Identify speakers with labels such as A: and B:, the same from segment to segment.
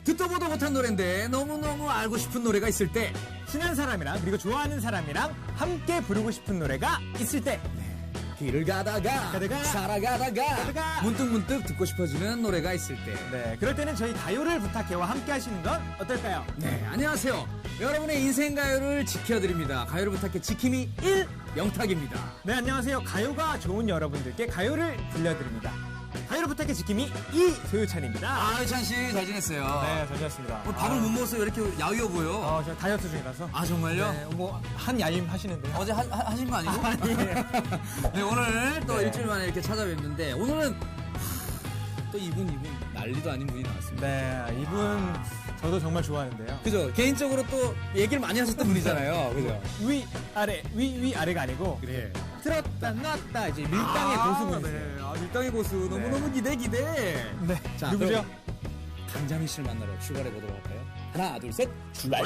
A: 듣도 보도 못한 노래인데 너무너무 알고 싶은 노래가 있을 때,
B: 친한 사람이랑 그리고 좋아하는 사람이랑 함께 부르고 싶은 노래가 있을 때,
A: 길을 가다가 살아가다가 문득문득 듣고 싶어지는 노래가 있을 때,
B: 네, 그럴 때는 저희 가요를 부탁해와 함께 하시는 건 어떨까요?
A: 네, 안녕하세요. 여러분의 인생 가요를 지켜드립니다. 가요를 부탁해 지킴이 1 영탁입니다.
B: 네, 안녕하세요. 가요가 좋은 여러분들께 가요를 들려드립니다. 가요를 부탁해 지킴이 2 소유찬입니다.
A: 아, 찬 씨 잘 지냈어요?
B: 네, 잘 지냈습니다.
A: 밥을 못 먹어서 왜 이렇게 야위어 보여?
B: 저 다이어트 중이라서.
A: 아, 정말요?
B: 네, 한 야임 하시는데요.
A: 어제 하신 거 아니고?
B: 아니에요.
A: 네, 오늘 또
B: 네.
A: 일주일 만에 이렇게 찾아뵙는데, 오늘은 또 이분 난리도 아닌 분이 나왔습니다.
B: 네, 이분 저도 정말 좋아하는데요.
A: 그죠? 개인적으로 또 얘기를 많이 하셨던 분이잖아요. 그죠?
B: 위 아래가 아니고
A: 그래.
B: 틀었다 놨다 이제 밀당의 고수분이세요.
A: 네. 아, 밀당의 고수. 너무너무 기대.
B: 네.
A: 자,
B: 누구죠?
A: 그럼 강자미 씨를 만나러 출발해 보도록 할까요? 하나, 둘, 셋, 출발!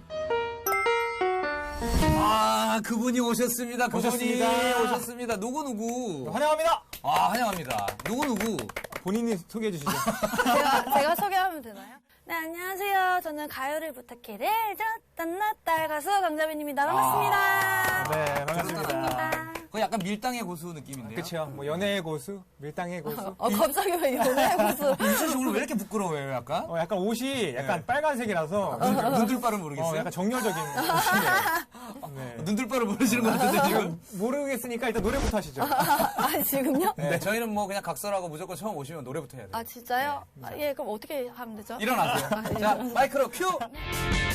A: 아, 그분이 오셨습니다. 오셨습니다. 누구?
B: 환영합니다.
A: 아, 환영합니다. 누구?
B: 본인이 소개해 주시죠.
C: 제가 소개하면 되나요? 네, 안녕하세요. 저는 가요를 부탁해를 짠났다 가수 강자빈입니다. 반갑습니다.
B: 네, 반갑습니다.
A: 거의 약간 밀당의 고수 느낌인데요.
B: 그렇죠. 뭐 연애의 고수, 밀당의 고수.
C: 갑자기 왜 연애 무슨
A: 윤철 씨 오늘 왜 이렇게 부끄러워요, 약간?
B: 약간 옷이 약간 빨간색이라서
A: 눈들바를 모르겠어요?
B: 약간 정열적인 옷이네요. 네.
A: 눈들바를 모르시는 것 같은데, 지금.
B: 모르겠으니까 일단 노래부터 하시죠.
C: 아, 지금요?
A: 네, 저희는 뭐 그냥 각설하고 무조건 처음 오시면 노래부터 해야 돼요.
C: 아, 진짜요? 예, 그럼 어떻게 하면 되죠?
A: 일어나세요. 자, 마이크로 큐!